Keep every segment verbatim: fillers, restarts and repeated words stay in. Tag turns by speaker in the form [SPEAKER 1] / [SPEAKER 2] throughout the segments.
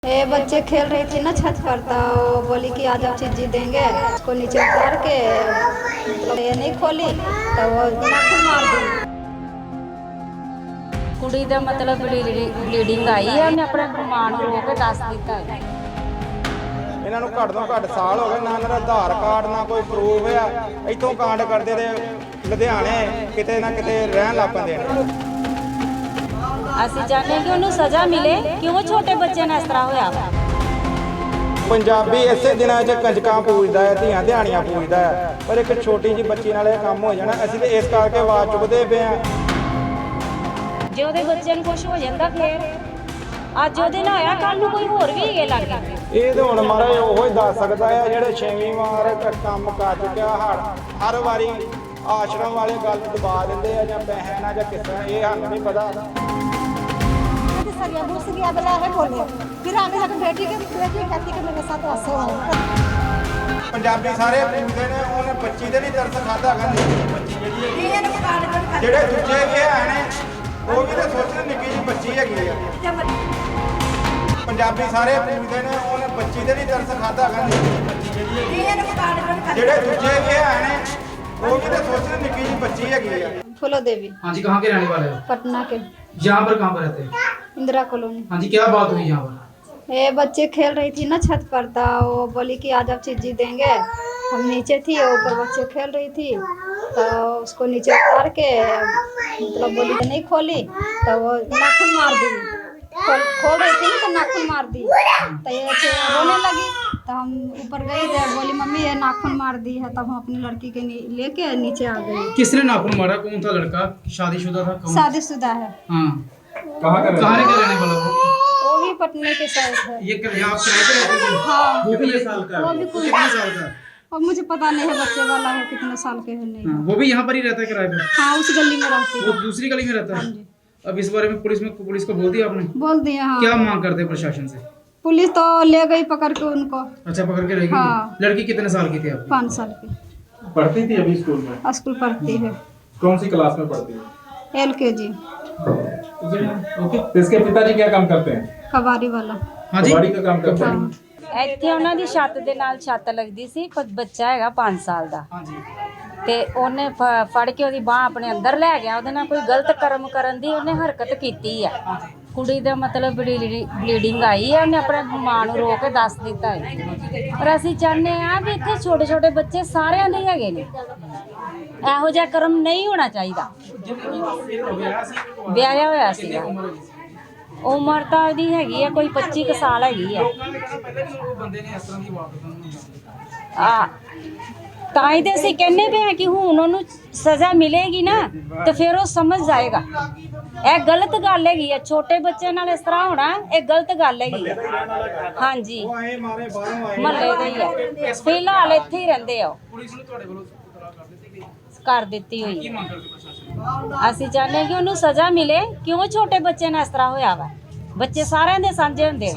[SPEAKER 1] ये बच्चे खेल रही थी ना छत पर, तो वो बोली कि आज आप चीज़ देंगे। उसको नीचे उतार के मतलब ये नहीं खोली तो वो नाखून मार दी।
[SPEAKER 2] कुड़ी ਦਾ ਮਤਲਬ ਬਲੀਡਿੰਗ ਆਈ ਹੈ, ਉਹਨੇ ਆਪਣੇ ਮਾਂ ਨੂੰ ਰੋ ਕੇ ਦੱਸ ਦਿੱਤਾ ਹੈ।
[SPEAKER 3] ਇਹਨਾਂ ਨੂੰ ਘੱਟ ਤੋਂ ਘੱਟ ਸਾਲ ਹੋ ਗਏ, ਨਾ ਇਹਨਾਂ ਦਾ ਆਧਾਰ ਕਾਰਡ ਨਾ ਕੋਈ ਪ੍ਰੂਫ ਆ। ਇੱਥੋਂ ਕਾਂਡ ਕਰਦੇ ਤੇ ਲੁਧਿਆਣੇ ਕਿਤੇ ਨਾ ਕਿਤੇ ਰਹਿਣ ਲੱਗ ਪੈਂਦੇ ਨੇ।
[SPEAKER 2] ਅਸੀਂ ਚਾਹੁੰਦੇ ਕਿ ਉਹਨੂੰ ਸਜ਼ਾ ਮਿਲੇ। ਕਿਉਂ ਛੋਟੇ ਬੱਚੇ ਨਾਲ ਇਸ ਤਰ੍ਹਾਂ ਹੋਇਆ ਵਾ?
[SPEAKER 3] ਪੰਜਾਬੀ ਇਸੇ ਦਿਨਾਂ 'ਚ ਕੰਜਕਾਂ ਪੂਜਦਾ ਹੈ, ਧੀਆਂ ਧਿਆਣੀਆਂ ਪੂਜਦਾ ਹੈ, ਪਰ ਇੱਕ ਛੋਟੀ ਜਿਹੀ ਬੱਚੀ ਨਾਲ ਇਹ ਕੰਮ ਹੋ ਜਾਣਾ। ਅਸੀਂ ਤੇ ਇਸ ਕਰਕੇ ਆਵਾਜ਼ ਚੁੱਕਦੇ ਪਏ ਹਾਂ।
[SPEAKER 2] ਜੇ ਉਹਦੇ ਬੱਚੇ ਨੂੰ ਕੁਝ ਹੋ ਜਾਂਦਾ ਫੇਰ ਅੱਜ ਉਹਦੇ ਨਾਲ ਹੋਇਆ, ਕੱਲ ਨੂੰ ਕੋਈ ਹੋਰ ਵੀ ਹੈਗੇ ਲੱਗ ਗਏ।
[SPEAKER 3] ਇਹ ਤਾਂ ਹੁਣ ਮਹਾਰਾਜ ਉਹੋ ਹੀ ਦੱਸ ਸਕਦਾ ਹੈ ਜਿਹੜੇ ਛੇਵੀਂ ਵਾਰ ਕੰਮ ਕਰ ਚੁੱਕਿਆ। ਹਰ ਹਰ ਵਾਰੀ ਆਸ਼ਰਮ ਵਾਲੇ ਗੱਲ ਦਬਾ ਦਿੰਦੇ ਆ, ਜਾਂ ਪੈਸੇ ਨਾਲ ਜਾਂ ਕਿਸ ਤਰ੍ਹਾਂ, ਇਹ ਸਾਨੂੰ ਨਹੀਂ ਪਤਾ।
[SPEAKER 4] सरिया घुस गया बोला है बोले, फिर आने लगे बेटी के बेटी कहती कि मेरे साथ ऐसे हो।
[SPEAKER 3] ਪੰਜਾਬੀ ਸਾਰੇ ਪੁੱਛਦੇ ਨੇ, ਉਹਨੇ ਬੱਚੀ ਦੇ ਨਹੀਂ ਤਰਸ ਖਾਦਾ ਕਹਿੰਦੇ ਬੱਚੀ ਜਿਹੜੀ ਹੈ। ਜਿਹੜੇ ਦੂਜੇ ਵੀ ਹੈ ਨੇ ਉਹ ਵੀ ਤਾਂ ਸੋਚਣ ਨਿੱਕੀ ਜਿਹੀ ਬੱਚੀ ਹੈਗੀ ਆ। ਪੰਜਾਬੀ ਸਾਰੇ ਪੁੱਛਦੇ ਨੇ, ਉਹਨੇ ਬੱਚੀ ਦੇ ਨਹੀਂ ਤਰਸ ਖਾਦਾ ਕਹਿੰਦੇ ਬੱਚੀ ਜਿਹੜੀ ਹੈ। ਜਿਹੜੇ ਦੂਜੇ ਵੀ ਹੈ ਨੇ वो भी तो सोच रहे निक्की जी बच्ची है।
[SPEAKER 1] फूलो देवी।
[SPEAKER 5] हाँ जी, कहाँ के रहने वाले हो?
[SPEAKER 1] पटना के।
[SPEAKER 5] यहाँ पर कहाँ पर रहते हैं?
[SPEAKER 1] इंदिरा कॉलोनी।
[SPEAKER 5] हाँ जी, क्या बात हुई यहाँ पर?
[SPEAKER 1] ये बच्चे खेल रही थी ना छत पर, था वो बोली कि आज आप चीज़ देंगे। हम नीचे थी, ऊपर बच्चे खेल रही थी तो उसको नीचे उतार के मतलब बोली कि नहीं खोली तो वो नाखून मार दी। खोल खोल रही थी तो नाखून मार दी, तो ये रोने लगी। तो हम ऊपर गए थे, बोली मम्मी ये नाखून मार दी है। तब हम अपनी लड़की के लेके नीचे आ गए।
[SPEAKER 5] किसने नाखून मारा? कौन था लड़का? शादीशुदा था? कौन?
[SPEAKER 1] शादीशुदा है।
[SPEAKER 5] हाँ, कहाँ का रहने वाला वो?
[SPEAKER 1] वो भी पटने के साइड है।
[SPEAKER 5] ये कर, आप किराए पे रहते थे?
[SPEAKER 1] हाँ,
[SPEAKER 5] वो भी ये साल का?
[SPEAKER 1] वो भी कुछ
[SPEAKER 5] कितने साल का?
[SPEAKER 1] और मुझे पता नहीं है बच्चे वाला है कितने साल के है नहीं।
[SPEAKER 5] हाँ, वो भी यहाँ पर ही रहता है किराए पे?
[SPEAKER 1] हाँ, उस गली में रहती
[SPEAKER 5] वो
[SPEAKER 1] है।
[SPEAKER 5] दूसरी गली में रहता है? अब इस बारे में पुलिस में पुलिस को बोल दिया आपने?
[SPEAKER 1] बोल दिया। हाँ,
[SPEAKER 5] क्या मांग करते हैं प्रशासन से?
[SPEAKER 1] पुलिस तो ले गई पकड़ के उनको।
[SPEAKER 5] अच्छा, पकड़ के रहेगी?
[SPEAKER 1] हाँ।
[SPEAKER 5] लड़की कितने साल की थी आप?
[SPEAKER 1] पाँच साल की।
[SPEAKER 6] पढ़ती थी अभी स्कूल में?
[SPEAKER 1] स्कूल पढ़ती है।
[SPEAKER 6] कौन सी क्लास में पढ़ती है?
[SPEAKER 1] एल के जी।
[SPEAKER 6] ओके। तो इसके पिताजी क्या काम करते हैं?
[SPEAKER 1] कबाड़ी वाला।
[SPEAKER 5] हाँ जी,
[SPEAKER 6] कबाड़ी का काम करते हैं।
[SPEAKER 2] ਇੱਥੇ ਉਹਨਾਂ ਦੀ ਛੱਤ ਦੇ ਨਾਲ ਛੱਤ ਲੱਗਦੀ ਸੀ, ਪਰ ਬੱਚਾ ਹੈਗਾ ਪੰਜ ਸਾਲ ਦਾ।
[SPEAKER 5] हाँ जी,
[SPEAKER 2] ਤੇ ਉਹਨੇ ਫ- ਫੜ ਕੇ ਉਹਦੀ ਬਾਹ ਆਪਣੇ ਅੰਦਰ ਲੈ ਗਿਆ। ਉਹਦੇ ਨਾਲ ਕੋਈ ਗਲਤ ਕਰਮ ਕਰਨ ਦੀ ਉਹਨੇ ਹਰਕਤ ਕੀਤੀ ਆ। ਕੁੜੀ ਦਾ ਮਤਲਬ ਬਲੀਡਿੰਗ ਆਈ ਹੈ, ਉਹਨੇ ਆਪਣੇ ਮਾਂ ਨੂੰ ਰੋ ਕੇ ਦੱਸ ਦਿੱਤਾ ਹੈ। ਪਰ ਅਸੀਂ ਚਾਹੁੰਦੇ ਆ ਵੀ ਇੱਥੇ ਛੋਟੇ ਛੋਟੇ ਬੱਚੇ ਸਾਰਿਆਂ ਦੇ ਹੈਗੇ ਨੇ, ਇਹੋ ਜਿਹਾ ਕਰਮ ਨਹੀਂ ਹੋਣਾ ਚਾਹੀਦਾ। ਵਿਆਹਿਆ ਹੋਇਆ ਸੀਗਾ, ਉਮਰ ਤਾਂ ਉਹਦੀ ਹੈਗੀ ਆ ਕੋਈ ਪੱਚੀ ਕੁ ਸਾਲ ਹੈਗੀ ਆ। ਆ ਤਾਂ ਹੀ ਤੇ ਅਸੀਂ ਕਹਿੰਦੇ ਪਏ ਹਾਂ ਕਿ ਹੁਣ ਉਹਨੂੰ ਸਜ਼ਾ ਮਿਲੇਗੀ ਨਾ ਤੇ ਫਿਰ ਉਹ ਸਮਝ ਜਾਏਗਾ। ਇਹ ਗਲਤ ਗੱਲ ਹੈਗੀ ਆ, ਛੋਟੇ ਬੱਚੇ ਨਾਲ ਇਸ ਤਰ੍ਹਾਂ ਹੋਣਾ ਇਹ ਗਲਤ ਗੱਲ ਹੈਗੀ ਆ। ਹਾਂਜੀ,
[SPEAKER 3] ਆਏ ਮਾਰੇ ਬਾਹਰੋਂ ਆਏ।
[SPEAKER 2] ਮਹੱਲੇ ਦੇ ਹੀ ਆ, ਫਿਲਹਾਲ ਇੱਥੇ ਹੀ ਰਹਿੰਦੇ ਆ। ਉਹ
[SPEAKER 5] पुलिस ने ਤੁਹਾਡੇ ਵੱਲੋਂ
[SPEAKER 2] ਕਰ ਦਿੱਤੀ ਹੋਈ
[SPEAKER 5] ਕੀ
[SPEAKER 2] ਹੈ।
[SPEAKER 5] ਮੰਗ ਕਰਦੇ ਪ੍ਰਸ਼ਾਸਨ?
[SPEAKER 2] ਅਸੀਂ ਚਾਹੁੰਦੇ ਹਾਂ ਕਿ ਉਹਨੂੰ ਸਜ਼ਾ ਮਿਲੇ। ਕਿਉਂ ਛੋਟੇ ਬੱਚੇ ਨਾਲ ਇਸ ਤਰ੍ਹਾਂ ਹੋਇਆ ਵਾ? ਬੱਚੇ ਸਾਰਿਆਂ ਦੇ ਸਾਂਝੇ ਹੁੰਦੇ ਨੇ।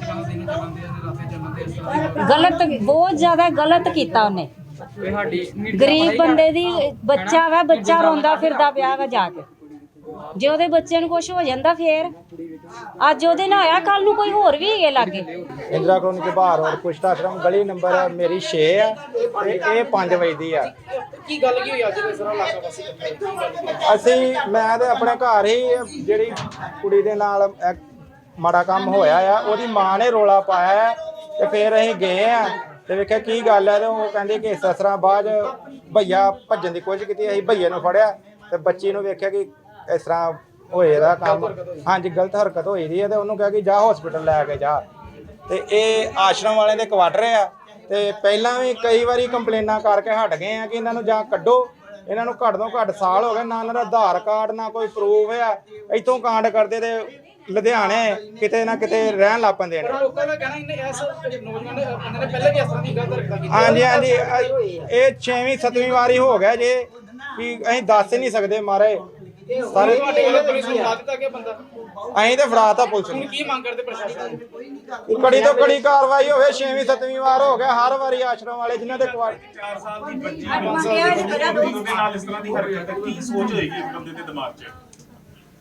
[SPEAKER 2] ਗਲਤ, ਬਹੁਤ ਜ਼ਿਆਦਾ ਗਲਤ ਕੀਤਾ ਉਹਨੇ। ਗਰੀਬ ਬੰਦੇ ਦੀ ਬੱਚਾ ਵਾ, ਬੱਚਾ ਰੋਂਦਾ ਫਿਰਦਾ ਪਿਆ ਵਾ ਜਾ ਕੇ। ਜੇ ਉਹਦੇ ਬੱਚੇ ਨੂੰ ਕੁਝ ਹੋ ਜਾਂਦਾ ਫੇਰ ਅੱਜ ਉਹਦੇ ਨਾਲ ਹੋਇਆ, ਕੱਲ ਨੂੰ ਕੋਈ ਹੋਰ ਵੀ ਹੈਗੇ ਲੱਗੇ।
[SPEAKER 3] ਇੰਦਰਾ ਕਲੋਨੀ ਦੇ ਬਾਹਰ ਔਰ ਕੁਸ਼ਤਾ ਆਸ਼ਰਮ ਗਲੀ ਨੰਬਰ ਮੇਰੀ ਛੇ ਆ ਤੇ ਇਹ ਪੰਜ ਵਜੇ ਦੀ ਆ।
[SPEAKER 5] ਕੀ ਗੱਲ ਕੀ ਹੋਈ ਅੱਜ ਦੇ ਸਾਰਾ ਇਲਾਕਾ ਵਾਸੀ ਇਕੱਠੇ?
[SPEAKER 3] ਅਸੀਂ ਮੈਂ ਤੇ ਆਪਣੇ ਘਰ ਹੀ ਜਿਹੜੀ ਕੁੜੀ ਦੇ ਨਾਲ ਇਹ ਮਾੜਾ ਕੰਮ ਹੋਇਆ ਆ, ਉਹਦੀ ਮਾਂ ਨੇ ਰੋਲਾ ਪਾਇਆ ਤੇ ਫਿਰ ਅਸੀਂ ਗਏ ਆ ਤੇ ਵੇਖਿਆ ਕੀ ਗੱਲ ਹੈ। ਤੇ ਉਹ ਕਹਿੰਦੇ ਕਿ ਇਸ ਤਰ੍ਹਾਂ ਬਾਅਦ ਭਈਆ ਭੱਜਣ ਦੀ ਕੋਸ਼ਿਸ਼ ਕੀਤੀ, ਅਸੀਂ ਭਈਏ ਨੂੰ ਫੜਿਆ ਤੇ ਬੱਚੀ ਨੂੰ ਵੇਖਿਆ ਕਿ ਇਸ ਤਰ੍ਹਾਂ ਹੋਏ ਦਾ ਕੰਮ। ਹਾਂਜੀ, ਗਲਤ ਹਰਕਤ ਹੋਈ ਦੀ ਹੈ ਤੇ ਉਹਨੂੰ ਕਿਹਾ ਕਿ ਜਾ ਹਸਪੀਟਲ ਲੈ ਕੇ ਜਾ। ਤੇ ਇਹ ਆਸ਼ਰਮ ਵਾਲਿਆਂ ਦੇ ਕੁਆਟਰ ਆ ਤੇ ਪਹਿਲਾਂ ਵੀ ਕਈ ਵਾਰੀ ਕੰਪਲੇਨਾਂ ਕਰਕੇ ਹਟ ਗਏ ਆ ਕਿ ਇਹਨਾਂ ਨੂੰ ਜਾਂ ਕੱਢੋ। ਇਹਨਾਂ ਨੂੰ ਘੱਟ ਤੋਂ ਘੱਟ ਸਾਲ ਹੋ ਗਏ, ਨਾ ਇਹਨਾਂ ਦਾ ਆਧਾਰ ਕਾਰਡ ਨਾ ਕੋਈ ਪ੍ਰੂਫ ਆ। ਇੱਥੋਂ ਕਾਂਡ ਕਰਦੇ ਤੇ ਲੁਧਿਆਣੇ ਕਿਤੇ ਨਾ ਕਿਤੇ ਰਹਿਣ ਲੱਗ ਪੈਂਦੇ ਨੇ।
[SPEAKER 5] ਲੋਕਾਂ ਦਾ ਕਹਿਣਾ ਇਹਨੇ ਇਸ ਨੌਜਵਾਨ ਨੇ ਬੰਦੇ ਨੇ ਪਹਿਲੇ ਵੀ ਇਸ ਤਰ੍ਹਾਂ ਦੀ ਗਲਤ ਹਰਕਤਾਂ ਕੀਤੀਆਂ।
[SPEAKER 3] ਹਾਂਜੀ ਹਾਂਜੀ, ਇਹ ਛੇਵੀਂ ਸੱਤਵੀਂ ਵਾਰੀ ਹੋ ਗਿਆ ਜੇ ਕਿ ਅਸੀਂ ਦੱਸ ਹੀ ਨਹੀਂ ਸਕਦੇ ਮਾਰੇ ਸਾਰੇ।
[SPEAKER 5] ਤੁਹਾਡੇ ਵੱਲੋਂ ਪੁਲਿਸ ਨੂੰ ਲਾ ਦਿੱਤਾ ਗਿਆ ਬੰਦਾ,
[SPEAKER 3] ਅਸੀਂ ਤੇ ਫੜਾਤਾ ਪੁਲਿਸ ਨੂੰ।
[SPEAKER 5] ਕੀ ਮੰਗ ਕਰਦੇ ਪ੍ਰਸ਼ਾਸਨ?
[SPEAKER 3] ਕੜੀ ਤੋਂ ਕੜੀ ਕਾਰਵਾਈ ਹੋਵੇ। ਛੇਵੀਂ ਸੱਤਵੀਂ ਵਾਰ ਹੋ ਗਿਆ, ਹਰ ਵਾਰੀ ਆਸ਼ਰਮ ਵਾਲੇ ਜਿਨ੍ਹਾਂ ਦੇ ਕੁਆਟਰ
[SPEAKER 6] चार साल की बच्ची पाँच साल की बच्ची के नाल इस तरह की हरकत है, की सोच होएगी एक बंदे के दिमाग 'ਚ?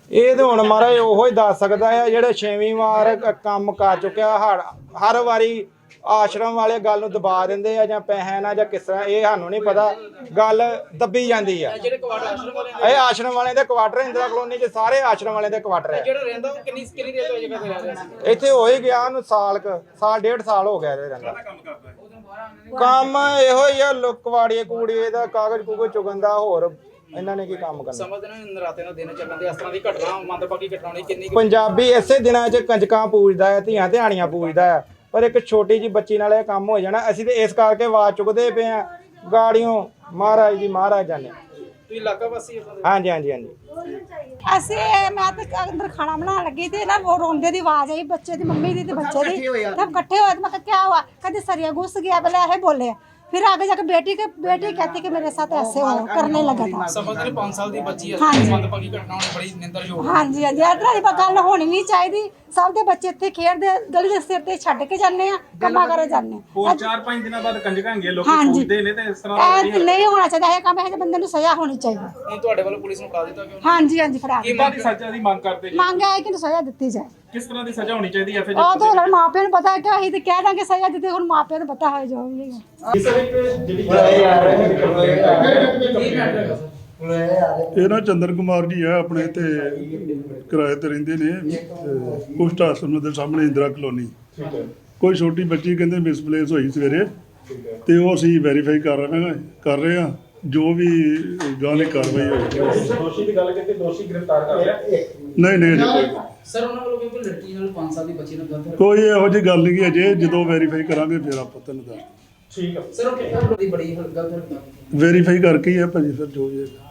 [SPEAKER 3] ਇਹ ਤਾਂ ਹੁਣ ਮਹਾਰਾਜ ਉਹੋ ਹੀ ਦੱਸ ਸਕਦਾ ਆ ਜਿਹੜੇ ਛੇਵੀਂ ਵਾਰ ਕ- ਕੰਮ ਕਰ ਚੁੱਕਿਆ ਹਰ ਹਰ ਵਾਰੀ ਆਸ਼ਰਮ ਵਾਲੇ ਗੱਲ ਨੂੰ ਦਬਾ ਦਿੰਦੇ ਆ ਜਾਂ ਪੈਸੇ ਨਾਲ ਜਾਂ ਕਿਸ ਤਰ੍ਹਾਂ, ਇਹ ਸਾਨੂੰ ਨਹੀਂ ਪਤਾ, ਗੱਲ ਦੱਬੀ ਜਾਂਦੀ ਆ।
[SPEAKER 5] ਜਿਹੜੇ ਕੁਆਟਰ ਆਸ਼ਰਮ ਵਾਲੇ
[SPEAKER 3] ਇਹ ਆਸ਼ਰਮ ਵਾਲਿਆਂ ਦੇ ਕੁਆਟਰ ਇੰਦਰਾ ਕਲੋਨੀ 'ਚ ਸਾਰੇ ਆਸ਼ਰਮ ਵਾਲਿਆਂ ਦੇ ਕੁਆਟਰ ਆ।
[SPEAKER 5] ਜਿਹੜਾ ਰਹਿੰਦਾ ਉਹ ਕਿੰਨੀ ਕਿੰਨੀ ਦੇਰ ਤੋਂ ਇਹ ਜਗ੍ਹਾ ਤੇ ਰਹਿ ਰਿਹਾ ਸੀ?
[SPEAKER 3] ਇੱਥੇ ਹੋ ਹੀ ਗਿਆ ਉਹਨੂੰ ਸਾਲ ਕ ਸਾਲ ਡੇਢ ਸਾਲ ਹੋ ਗਿਆ ਇਹਦੇ ਰਹਿੰਦਾ। ਕੰਮ ਇਹੋ ਹੀ ਆ, ਲੁਕਵਾੜੀਏ ਕੂੜੀਏ ਦਾ ਕਾਗਜ਼ ਕੂਗਜ਼ ਚੁਗਣ ਦਾ, ਹੋਰ ਇਹਨਾਂ ਨੇ ਕੀ ਕੰਮ ਕਰਨਾ।
[SPEAKER 5] ਸਮਝਦੇ ਨੇ ਨਰਾਤੇ ਦਾ ਦਿਨ ਚੱਲਣ ਦੇ ਇਸ ਤਰ੍ਹਾਂ ਦੀ ਘਟਨਾ ਮੰਦਭਾਗੀ ਘਟਨਾ ਹੋਣੀ ਕਿੰਨੀ ਕੁ-
[SPEAKER 3] ਪੰਜਾਬੀ ਇਸੇ ਦਿਨਾਂ 'ਚ ਕੰਜਕਾਂ ਪੂਜਦਾ ਹੈ, ਧੀਆਂ ਧਿਆਣੀਆਂ ਪੂਜਦਾ ਹੈ, ਪਰ ਇੱਕ ਛੋਟੀ ਜੀ ਬੱਚੀ ਨਾਲ ਇਹ ਕੰਮ ਹੋ ਜਾਣਾ। ਅਸੀਂ ਤੇ ਇਸ ਕਰਕੇ ਆਵਾਜ਼ ਚੁੱਕਦੇ ਪਏ ਆ ਗਾੜੀਆਂ, ਮਹਾਰਾਜ ਜੀ ਮਹਾਰਾਜ ਜਾਨੇ।
[SPEAKER 5] ਤੁਸੀਂ ਇਲਾਕਾ ਵਾਸੀ ਹੋ?
[SPEAKER 3] ਹਾਂਜੀ ਹਾਂਜੀ ਹਾਂਜੀ।
[SPEAKER 4] ਅਸੀਂ ਮੈਂ ਤਾਂ ਅੰਦਰ ਖਾਣਾ ਬਣਾਉਣ ਲੱਗੀ ਤੇ ਨਾ ਉਹ ਰੋਂਦੇ ਦੀ ਆਵਾਜ਼ ਆਈ, ਬੱਚੇ ਦੀ ਮੰਮੀ ਦੀ ਤੇ ਬੱਚੇ ਦੀ, सब इकट्ठे हुए। तो मैं क्या हुआ, कहते सरिया घुस गया, बोले ऐसे बोले। फिर आगे जाके बेटी के बेटी कहती कि मेरे साथ ऐसे हो करने लगा था।
[SPEAKER 5] ਸਮਝਦੇ ਨੇ ਪੰਜ ਸਾਲ ਦੀ ਬੱਚੀ ਹੈ,
[SPEAKER 4] ਹਾਂਜੀ।
[SPEAKER 5] ਮੰਦਭਾਗੀ ਘਟਨਾ ਹੋਣੀ ਬੜੀ ਨਿੰਦਰਯੋਗ ਹੈ।
[SPEAKER 4] हाँ जी हाँ जी, इतना ਦੀ ਗੱਲ ਹੋਣੀ ਨਹੀਂ ਚਾਹੀਦੀ। ਸਭ ਦੇ ਬੱਚੇ ਇੱਥੇ ਖੇਡਦੇ, ਗਲੀ ਦੇ ਸਿਰ ਤੇ ਛੱਡ ਕੇ ਜਾਂਦੇ ਆ, ਕੰਮਾਂ ਕਰੇ ਜਾਂਦੇ।
[SPEAKER 6] ਹੋਰ ਚਾਰ ਪੰਜ ਦਿਨਾਂ ਬਾਅਦ ਕੰਜਕਾਂ ਹੈਗੀਆਂ, ਲੋਕੀ
[SPEAKER 4] ਹਾਂਜੀ।
[SPEAKER 6] ਪੁੱਛਦੇ ਨੇ ਤੇ ਇਸ ਤਰ੍ਹਾਂ ਦਾ
[SPEAKER 4] ਇਹ ਨਹੀਂ ਹੋਣਾ ਚਾਹੀਦਾ, ਇਹ ਕੰਮ ਇਹ ਜਿਹੇ ਬੰਦੇ ਨੂੰ ਸਜ਼ਾ ਹੋਣੀ ਚਾਹੀਦੀ।
[SPEAKER 5] ਹੁਣ ਤੁਹਾਡੇ ਵੱਲੋਂ ਪੁਲਿਸ ਨੂੰ ਫੜਾ ਦਿੱਤਾ ਕਿ
[SPEAKER 4] ਹਾਂਜੀ ਹਾਂਜੀ ਫੜਾ
[SPEAKER 5] ਕੀ
[SPEAKER 6] ਕਿੰਨਾ ਦੀ ਸਜ਼ਾ ਦੀ ਮੰਗ ਕਰਦੇ ਜੀ?
[SPEAKER 4] ਮੰਗ ਹੈ ਕਿ ਇਹਨੂੰ ਸਜ਼ਾ ਦਿੱਤੀ ਜਾਏ।
[SPEAKER 6] ਕਿਸ ਤਰ੍ਹਾਂ ਦੀ ਸਜ਼ਾ ਹੋਣੀ ਚਾਹੀਦੀ ਹੈ ਫਿਰ?
[SPEAKER 4] ਉਹ ਤਾਂ ਹੁਣ ਮਾਪਿਆਂ ਨੂੰ ਪਤਾ ਹੈ ਕਿ ਅਸੀਂ ਤੇ ਕਹਿ ਦਾਂਗੇ ਸਜ਼ਾ ਦਿੱਤੀ, ਹੁਣ ਮਾਪਿਆਂ ਨੂੰ ਪਤਾ ਹੋਏ ਜੋ ਵੀ
[SPEAKER 7] ਇਹ ਨਾ ਚੰਦਰ ਕੁਮਾਰ ਜੀ ਆ, ਆਪਣੇ ਤੇ ਕਿਰਾਏ ਤੇ ਰਹਿੰਦੇ ਨੇ, ਕੁਸ਼ਟ ਆਸ਼ਰਮ ਦੇ ਸਾਹਮਣੇ ਇੰਦਰਾ ਕਲੋਨੀ। ਕੋਈ ਛੋਟੀ ਬੱਚੀ ਕਹਿੰਦੇ ਮਿਸਪਲੇਸ ਹੋਈ ਸਵੇਰੇ, ਤੇ ਉਹ ਅਸੀਂ ਵੈਰੀਫਾਈ ਕਰ ਰਹੇ ਹਾਂ ਕਰ ਰਹੇ ਹਾਂ ਜੋ ਵੀ ਗਾਲੀ ਕਾਰਵਾਈ ਹੋਈ।
[SPEAKER 6] ਦੋਸ਼ੀ ਦੀ ਗੱਲ ਕੀਤੀ, ਦੋਸ਼ੀ ਗ੍ਰਿਫਤਾਰ ਕਰ ਲਿਆ?
[SPEAKER 7] ਨਹੀਂ ਨਹੀਂ ਅਜੇ ਕੋਈ
[SPEAKER 5] ਸਰ ਉਹਨਾਂ ਵੱਲੋਂ ਕੋਈ ਲੜਕੀ ਨਾਲ ਪੰਜ ਸਾਲ ਦੀ ਬੱਚੀ ਨਾਲ ਗਲਤ
[SPEAKER 7] ਕੋਈ ਇਹੋ ਜਿਹੀ ਗੱਲ ਨਹੀਂ ਅਜੇ, ਜਦੋਂ ਵੈਰੀਫਾਈ ਕਰਾਂਗੇ ਫਿਰ ਆਪਾਂ ਤੁਹਾਨੂੰ ਦੱਸ
[SPEAKER 6] ਠੀਕ ਹੈ
[SPEAKER 5] ਸਰ ਉਹ ਕਿਹੜਾ ਬੜੀ ਬੜੀ ਗਲਤ ਹਰਕਤ ਕੀਤੀ?
[SPEAKER 7] ਵੈਰੀਫਾਈ ਕਰਕੇ ਹੀ ਹੈ ਭਾਜੀ ਫਿਰ ਜੋ ਵੀ ਹੈ।